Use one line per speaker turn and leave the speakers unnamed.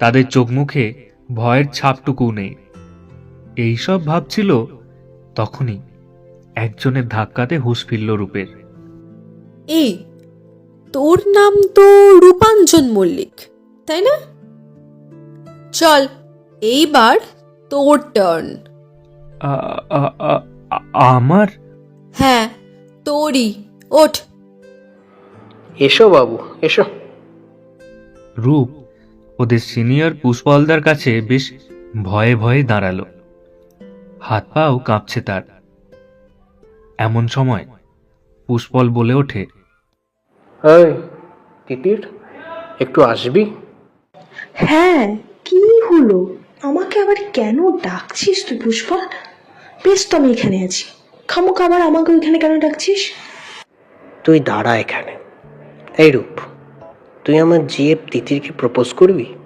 তাদের চোখ মুখে ভয়ের ছাপটুকু নেই। এইসব ভাবছিল তখনই একজনের ধাক্কাতে হুঁশ ফিরল রূপের।
এই, তোর নাম তো রূপাঞ্জন মল্লিক, তাই না? চল, এইবার তোর টার্ন।
আ- আ- আ- আমার?
হ্যাঁ, তোরই। ওঠ।
এসো বাবু, এসো।
রূপ ওদের সিনিয়র পুষ্পলদার কাছে বেশ ভয়ে ভয়ে দাঁড়ালো, হাত পাও কাঁপছে তার। এমন সময় পুষ্পল বলে ওঠে,
এই তিতির, একটু আসবি?
হ্যাঁ, কি হলো? আমাকে আবার কেন ডাকছিস তুই পুষ্পা? বেশ, তো আমি এখানে আছি, খামোকা আবার আমাকে ওইখানে কেন ডাকছিস?
তুই দাঁড়া এখানে। এই রূপ, তুই আমার জিএফ তিতিরকে প্রপোজ করবি?